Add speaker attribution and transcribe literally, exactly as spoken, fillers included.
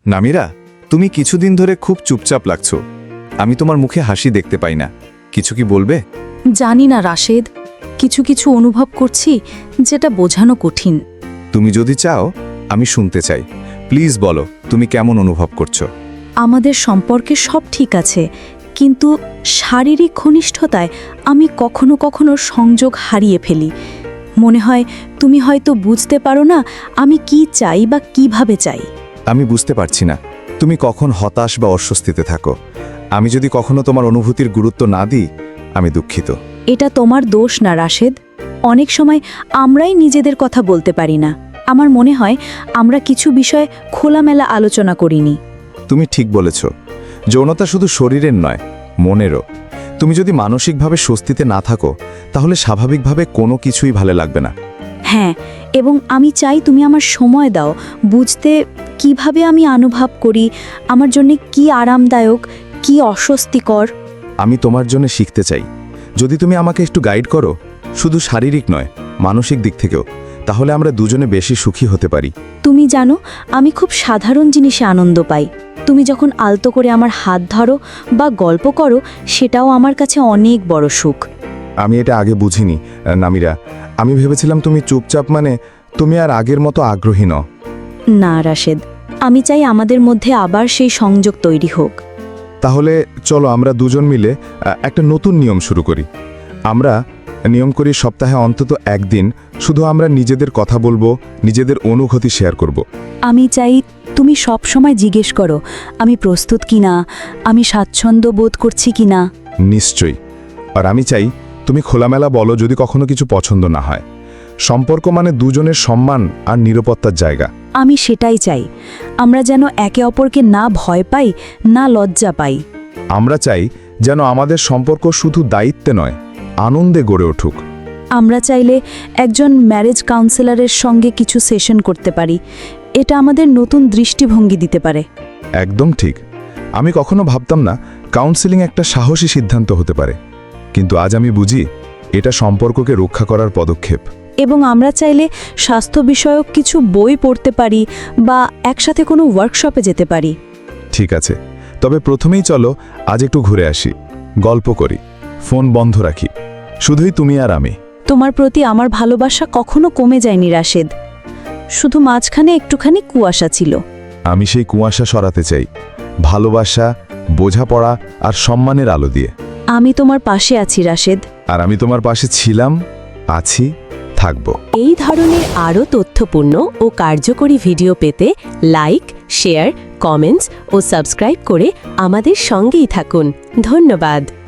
Speaker 1: নামিরা, তুমি কিছুদিন ধরে খুব চুপচাপ লাগছো। আমি তোমার মুখে হাসি দেখতে পাই না। কিছু কি বলবে?
Speaker 2: জানি না রাশেদ, কিছু কিছু অনুভব করছি যেটা বোঝানো কঠিন।
Speaker 1: তুমি যদি চাও আমি শুনতে চাই। প্লিজ বলো তুমি কেমন অনুভব করছো।
Speaker 2: আমাদের সম্পর্কে সব ঠিক আছে, কিন্তু শারীরিক ঘনিষ্ঠতায় আমি কখনো কখনো সংযোগ হারিয়ে ফেলি। মনে হয় তুমি হয়তো বুঝতে পারো না আমি কি চাই বা কিভাবে চাই।
Speaker 1: আমি বুঝতে পারছি না তুমি কখন হতাশ বা অস্বস্তিতে থাকো। আমি যদি কখনো তোমার অনুভূতির গুরুত্ব না দিই, আমি দুঃখিত।
Speaker 2: এটা তোমার দোষ না রাশেদ। অনেক সময় আমরাই নিজেদের কথা বলতে পারি না। আমার মনে হয় আমরা কিছু বিষয়ে খোলামেলা আলোচনা করিনি।
Speaker 1: তুমি ঠিক বলেছ। যৌনতা শুধু শরীরের নয়, মনেরও। তুমি যদি মানসিকভাবে স্বস্তিতে না থাকো, তাহলে স্বাভাবিকভাবে কোনো কিছুই ভালো লাগবে না।
Speaker 2: হ্যাঁ, এবং আমি চাই তুমি আমার সময় দাও বুঝতে, কিভাবে আমি অনুভব করি, আমার জন্য কি আরামদায়ক, কি অস্বস্তিকর।
Speaker 1: আমি তোমার জন্য শিখতে চাই। যদি তুমি আমাকে একটু গাইড করো, শুধু শারীরিক নয়, মানসিক দিক থেকেও, তাহলে আমরা দুজনে বেশি সুখী হতে পারি।
Speaker 2: তুমি জানো, আমি খুব সাধারণ জিনিসে আনন্দ পাই। তুমি যখন আলতো করে আমার হাত ধরো বা গল্প করো, সেটাও আমার কাছে অনেক বড় সুখ।
Speaker 1: আমি এটা আগে বুঝিনি নামিরা। আমি ভেবেছিলাম তুমি চুপচাপ মানে তুমি আর আগের মতো আগ্রহী নও।
Speaker 2: না রাশেদ, আমি চাই আমাদের মধ্যে আবার সেই সংযোগ তৈরি হোক।
Speaker 1: তাহলে চলো আমরা দুজন মিলে আহ, একটা নতুন নিয়ম শুরু করি। আমরা নিয়ম করি সপ্তাহে অন্তত একদিন শুধু আমরা নিজেদের কথা বলবো, নিজেদের অনুভূতি শেয়ার করব।
Speaker 2: আমি চাই তুমি সব সময় জিজ্ঞেস করো আমি প্রস্তুত কিনা, আমি স্বাচ্ছন্দ্য বোধ করছি কিনা।
Speaker 1: নিশ্চয়ই। আর আমি চাই তুমি খোলামেলা বলো যদি কখনো কিছু পছন্দ না হয়। সম্পর্ক মানে দুজনের সম্মান আর নিরাপত্তার জায়গা।
Speaker 2: আমি সেটাই চাই, আমরা যেন একে অপরকে না ভয় পাই, না লজ্জা পাই।
Speaker 1: আমরা চাই যেন আমাদের সম্পর্ক শুধু দায়িত্বে নয়, আনন্দে গড়ে উঠুক।
Speaker 2: আমরা চাইলে একজন ম্যারেজ কাউন্সিলরের সঙ্গে কিছু সেশন করতে পারি। এটা আমাদের নতুন দৃষ্টিভঙ্গি দিতে পারে।
Speaker 1: একদম ঠিক। আমি কখনো ভাবতাম না কাউন্সেলিং একটা সাহসী সিদ্ধান্ত হতে পারে, কিন্তু আজ আমি বুঝি এটা সম্পর্ককে রক্ষা করার পদক্ষেপ।
Speaker 2: এবং আমরা চাইলে স্বাস্থ্য বিষয়ক কিছু বই পড়তে পারি বা একসাথে কোনো ওয়ার্কশপে যেতে পারি।
Speaker 1: ঠিক আছে, তবে প্রথমেই চলো আজ একটু ঘুরে আসি, গল্প করি, ফোন বন্ধ রাখি, শুধুই তুমি আর আমি।
Speaker 2: তোমার প্রতি আমার ভালোবাসা কখনো কমে যায়নি রাশেদ, শুধু মাঝখানে একটুখানি কুয়াশা ছিল।
Speaker 1: আমি সেই কুয়াশা সরাতে চাই, ভালোবাসা, বোঝাপড়া আর সম্মানের আলো দিয়ে।
Speaker 2: আমি তোমার পাশে আছি রাশেদ।
Speaker 1: আর আমি তোমার পাশে ছিলাম, আছি, থাকবো।
Speaker 3: এই ধরনের আরও তথ্যপূর্ণ ও কার্যকরী ভিডিও পেতে লাইক, শেয়ার, কমেন্টস ও সাবস্ক্রাইব করে আমাদের সঙ্গেই থাকুন। ধন্যবাদ।